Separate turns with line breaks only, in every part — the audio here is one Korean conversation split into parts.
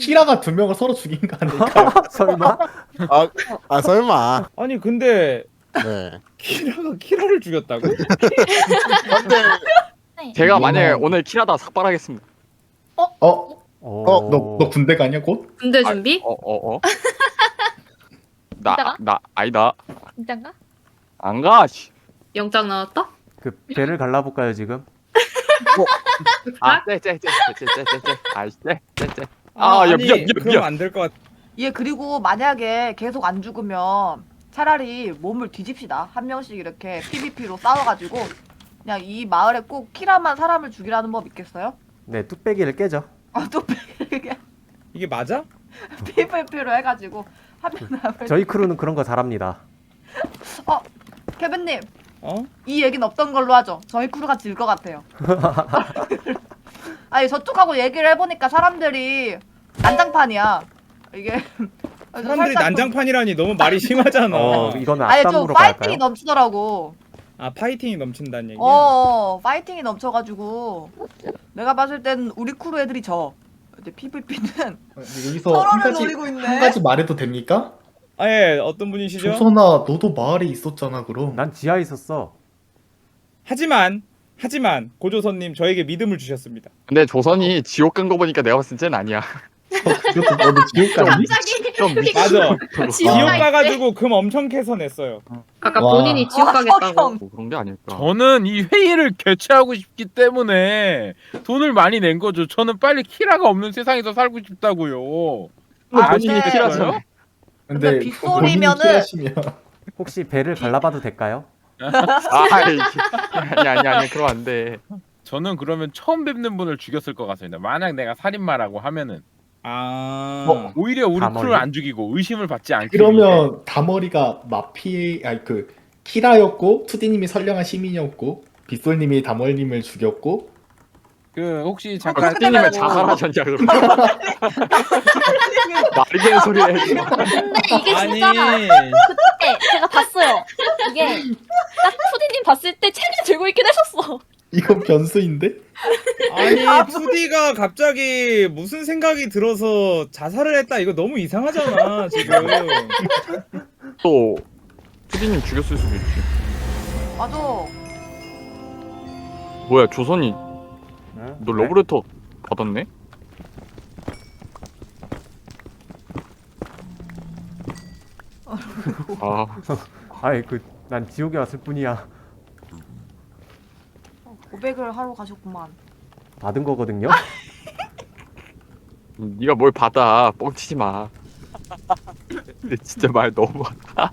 키라가 두 명을 서로 죽인 거 아닐까?
설마?
설마.
아니 근데
네.
키라를 죽였다고?
근데
제가 만약에
이거는-
오늘 키라다 삭발하겠습니다.
너 군대 가냐 곧?
군대 준비?
나 아니다.
진짠가?
안 가. 씨.
영장 나왔다?
그 배를 갈라볼까요 지금?
아이씨, 쎄.
아니
미안.
그럼 안 될 것 같아.
예, 그리고 만약에 계속 안 죽으면 차라리 몸을 뒤집시다. 한 명씩 이렇게 PVP로 싸워가지고 그냥 이 마을에 꼭 키라만 사람을 죽이라는 법 있겠어요?
네, 뚝배기를 깨죠.
또
이게 맞아?
PVP로 해가지고 한 명 남을.
저희 크루는 그런 거 잘합니다.
케빈님,
어?
이 얘기는 없던 걸로 하죠. 저희 크루가 질 것 같아요. 아니 저쪽하고 얘기를 해보니까 사람들이 난장판이야. 이게
사람들이
살짝
난장판이라니 너무 말이 심하잖아.
이거는
아니 좀
앞담으로
파이팅이
갈까요?
넘치더라고.
아 파이팅이 넘친다는 얘기야?
파이팅이 넘쳐가지고 내가 봤을 땐 우리 크루 애들이 져. 이제 PVP는
여기서 한
서로를
가지
노리고 있네.
한 가지 말해도 됩니까?
아 예, 어떤 분이시죠?
조선아, 너도 마을에 있었잖아 그럼.
난 지하에 있었어.
하지만 고조선님 저에게 믿음을 주셨습니다.
근데 조선이 지옥 간 거 보니까 내가 봤을 땐 아니야.
그것도 너도 지옥 가니?
갑자기
좀
맞아. 지옥
가
가가지고 금 엄청 캐서 냈어요.
아까
와.
본인이 지옥 가겠다고.
석영.
뭐 그런 게 아닐까.
저는 이 회의를 개최하고 싶기 때문에 돈을 많이 낸 거죠. 저는 빨리 키라가 없는 세상에서 살고 싶다고요.
본인이
근데-
키라죠.
근데
본인이
빗소리면은-
키라시면
혹시 배를 갈라봐도 될까요?
아니 그러면 안 돼.
저는 그러면 처음 뵙는 분을 죽였을 것 같습니다. 만약 내가 살인마라고 하면은 오히려 우리
다머리?
크루를 안 죽이고 의심을 받지 않기 위해.
그러면 다머리가 키라였고 투디님이 선량한 시민이었고 빗솔님이 다머리님을 죽였고
그 혹시
그렇게
잠깐
되면
띠님을 자살하셨냐 그럼. 말이 되는 소리 해.
근데 이게
아니
진짜 그때 제가 봤어요. 이게 딱 푸디님 봤을 때 책을 들고 있긴 했었어.
이건 변수인데?
아니 2D가 갑자기 무슨 생각이 들어서 자살을 했다 이거 너무 이상하잖아 지금.
또 푸디님 죽였을 수도 있지.
맞아.
뭐야 조선이
응?
너 러브레터 받았네?
아이 난 지옥에 왔을 뿐이야.
고백을 하러 가셨구만.
받은 거거든요.
네가 뭘 받아. 뻥치지 마. 근데 진짜 말 너무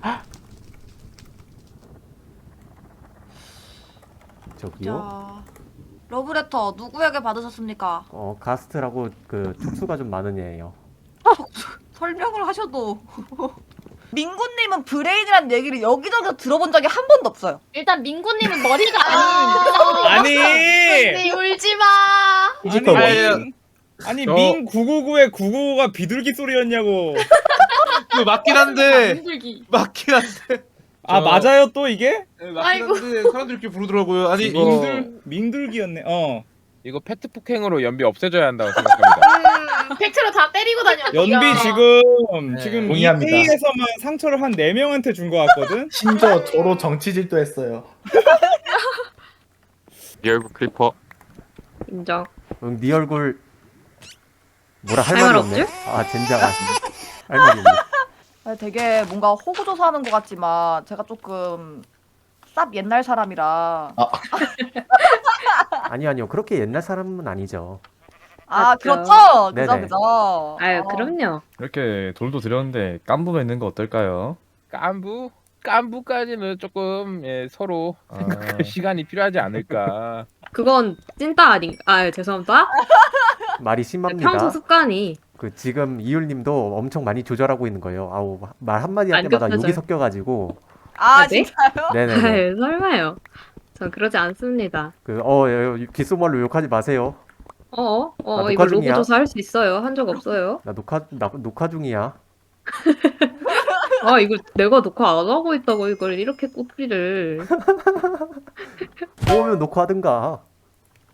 저기요.
자, 러브레터 누구에게 받으셨습니까?
가스트라고 그 특수가 좀 많은 애예요.
설명을 하셔도. 민구님은 브레인이란 얘기를 여기저기서 들어본 적이 한 번도 없어요.
일단 민구님은 머리가
아니
울지 마.
아니
저-
민 999의 999가 비둘기 소리였냐고.
그 맞긴 한데
민들기.
맞긴 한데
아 맞아요 또 이게?
맞긴
아이고.
한데 사람들이 이렇게 부르더라고요. 아니
이거-
민들기였네.
이거 페트 폭행으로 연비 없애줘야 한다고 생각합니다.
팩트로 다 때리고 다녀.
연비 지금 이
동의합니다.
회의에서만 상처를 한 4명한테 준 거 같거든?
심지어 저로 정치질도 했어요.
리얼 크리퍼.
인정.
응, 네 얼굴 뭐라 할
할
말이
말
없네.
없지?
젠장아. 할 말이 없네.
아니, 되게 뭔가 호구조사하는 것 같지만 제가 조금 쌉 옛날 사람이라.
아니요. 그렇게 옛날 사람은 아니죠.
아
맞죠.
그렇죠. 그죠
네네.
그죠.
아유 그럼요.
이렇게 돌도 드렸는데 깐부가 있는 거 어떨까요?
깐부까지는 조금 서로 생각할 시간이 필요하지 않을까.
그건 찐따 아닌가? 아 죄송합니다.
말이
평소
심합니다.
습관이.
그 지금 이율님도 엄청 많이 조절하고 있는 거예요. 아우 말 한마디 할
안
때마다
끝나져요.
욕이 섞여가지고.
아
네?
진짜요?
네네네.
아유 설마요. 전 그러지 않습니다.
귓속말로 욕하지 마세요.
이거
녹화 중이야.
로고 조사 할 수 있어요. 한 적 없어요.
나 녹화 중이야.
이거 내가 녹화 안 하고 있다고 이걸 이렇게 꼬리를.
오면 녹화하든가.